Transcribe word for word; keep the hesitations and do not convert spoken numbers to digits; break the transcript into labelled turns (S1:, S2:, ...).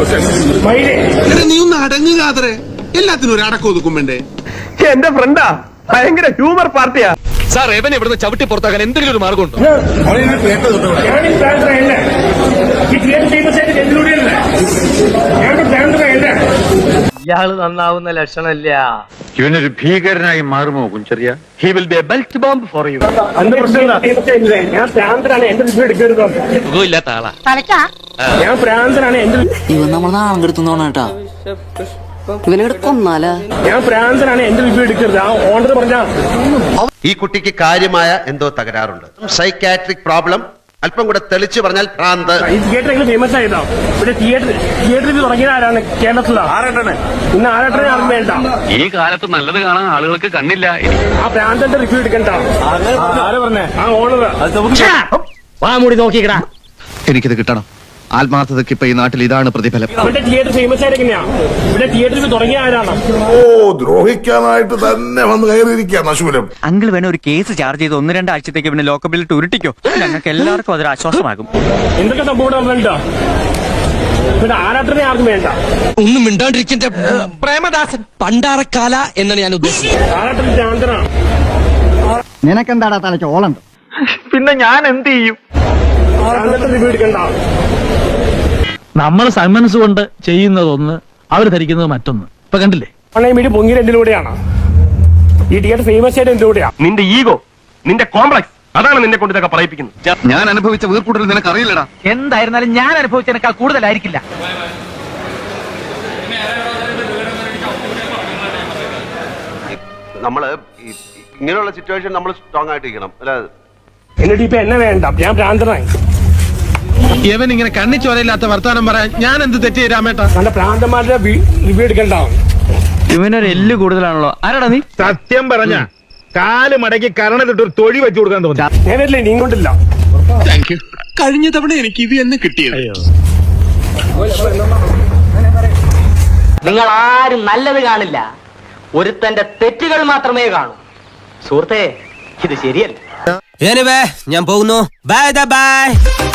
S1: നീ ഒന്ന് അടങ്ങുകാതറെ, എല്ലാത്തിനും ഒരു അടക്കം ഒതുക്കും വേണ്ടേ?
S2: എന്റെ ഫ്രണ്ടാ, ഭയങ്കര ഹ്യൂമർ പാർട്ടിയാ
S3: സാർ. എവനെ ഇവിടുന്ന് ചവിട്ടി പുറത്താക്കാൻ എന്തെങ്കിലും ഒരു മാർഗമുണ്ടോ?
S2: ഇയാള് നന്നാവുന്ന ലക്ഷണമില്ല.
S4: ഇവനൊരു ഭീകരനായി മാറുമോ Kunchariya?
S2: He will be a belt bomb for you.
S5: ഞാൻ പ്രാന്തനാണ്, എന്റെ റിവ്യൂ എടുക്കരുത്.
S3: സുഖമില്ലാത്ത ആളാ.
S5: ഞാൻ പ്രാന്തനാണ്, എന്റെ
S6: ഇവൻ നമ്മൾ നാളെ എടുത്തോണേട്ടാ. ഇവനെ കൊന്നാലാ?
S5: ഞാൻ പ്രാന്തനാണ്, എന്റെ റിവ്യൂ എടുക്കരുത്. ആ ഓണർ പറഞ്ഞാ
S7: ഈ കുട്ടിക്ക് കാര്യമായ എന്തോ തകരാറുണ്ട്. Psychiatric problem. അല്പം കൂടെ തെളിച്ചു പറഞ്ഞാൽ ഭ്രാന്ത്.
S5: ഈ തിയേറ്റർ ഫേമസ് ആയതാ. ഇവിടെ തിയേറ്റർ തിയേറ്ററിൽ തുടങ്ങിയത് ആരാണ്? കേരളത്തിലാണ്. ആരാട്ടാണ്? ഇന്ന് ആരാട്ടനെ ആർക്കും വേണ്ട.
S3: ഈ കാലത്ത് നല്ലത് കാണാൻ ആളുകൾക്ക് കണ്ണില്ല.
S5: ആ പ്രാന്തന്റെ റിവ്യൂ എടുക്കണ്ട. ആരാ പറഞ്ഞേ? ആ ഓണർ.
S2: വാ മൂടി നോക്കിക്കടാ.
S8: എനിക്കിത് കിട്ടണം. ആത്മാർത്ഥതയ്ക്ക് ഇപ്പൊ ഈ നാട്ടിൽ ഇതാണ് പ്രതിഫലം.
S5: ഇവിടെ തിയേറ്റർ ഫേമസ് ആയത് എങ്ങനെയാ? ഇവിടെ തിയേറ്ററിൽ തുടങ്ങിയ ആരാണ്?
S1: ഓ, ദ്രോഹിക്കാനായിട്ട് തന്നെ വന്ന് കയറിയിരിക്കുക നശൂലം.
S9: അങ്കിൾ വേണ ഒരു കേസ് ചാർജ് ചെയ്ത് ഒന്ന് രണ്ടാഴ്ചത്തേക്ക് പിന്നെ ലോക്കപ്പിൽ ഉരുട്ടിക്കോ. ഞങ്ങൾക്ക് എല്ലാവർക്കും അതൊരു ആശ്വാസമാകും.
S5: എന്തൊക്കെ സംഭവം ഇവിടെ വന്നിട്ടുണ്ടോ? ഇവിടെ ആരാട്ടനെ ആർക്കും വേണ്ട.
S3: ഒന്നും മിണ്ടാണ്ടിരിക്കന്റെ പ്രേമദാസൻ പണ്ടാറക്കാല എന്നാണ് ഞാൻ ഉദ്ദേശിച്ചത്.
S5: ആരാട്ടൻ പ്രാന്തനാണ്.
S6: നിനക്കെന്താടാ തലയ്ക്ക് ഓളുണ്ട്?
S2: പിന്നെ ഞാൻ എന്ത് ചെയ്യും?
S5: പ്രാന്തന്റെ റിവ്യൂ എടുക്കണ്ട.
S10: നമ്മൾ സന്മനസ് കൊണ്ട് ചെയ്യുന്നതൊന്ന്, അവർ ധരിക്കുന്നത് മറ്റൊന്ന്. ഇപ്പൊ കണ്ടില്ലേ?
S5: ഓൺലൈൻ മീഡിയ പൊങ്ങിയത് എന്തിലൂടെയാണ്? ഈ തിയേറ്റർ ഫേമസ് ആയിട്ട് എന്തിലൂടെയാ?
S2: നിന്റെ ഈഗോ, നിന്റെ കോംപ്ലക്സ്, അതാണ് നിന്നെ കൊണ്ട് ഇതൊക്കെ പറയിപ്പിക്കുന്നത്.
S8: ഞാൻ അനുഭവിച്ച വീർക്കൂട്ടൽ നിനക്ക് അറിയില്ലടാ.
S9: എന്തായിരുന്നാലും ഞാൻ അനുഭവിച്ചതിനേക്കാൾ കൂടുതലായിരിക്കില്ല.
S7: നമ്മള് ഇങ്ങനെയുള്ള സിറ്റുവേഷൻ നമ്മൾ സ്ട്രോങ് ആയിട്ടിരിക്കണം അല്ലെ?
S5: എന്നിട്ട് ഇപ്പൊ എന്നെ വേണ്ട, ഞാൻ ഭ്രാന്തനായി.
S1: ഇവൻ ഇങ്ങനെ കണ്ണിച്ചോരയില്ലാത്ത വർത്താനം പറയാൻ ഞാൻ എന്ത് തെറ്റ് രാമേട്ടാ?
S5: നല്ല ഭ്രാന്തന്മാരുടെ റിവ്യൂ എടുക്കണ്ടാവും.
S9: ഇവനൊരു എല്ല് കൂടുതലാണല്ലോ. ആരാടാ നീ?
S2: സത്യം പറഞ്ഞ കാല് മടക്കി കരണത്തിട്ട് ഒരു തൊഴി വെച്ചു കൊടുക്കാൻ തോന്നി.
S5: ഞാൻ വരില്ല, നീ കൊണ്ടില്ല.
S1: കഴിഞ്ഞ തവണ എനിക്ക് ഇത് തന്നെ കിട്ടിയത്.
S2: നിങ്ങൾ ആരും നല്ലത് കാണില്ല, ഒരുത്തന്റെ തെറ്റുകൾ മാത്രമേ കാണൂ. സുഹൃത്തേ, ഇത് ശരിയല്ല.
S9: ഞാൻ പോകുന്നു. Bye by.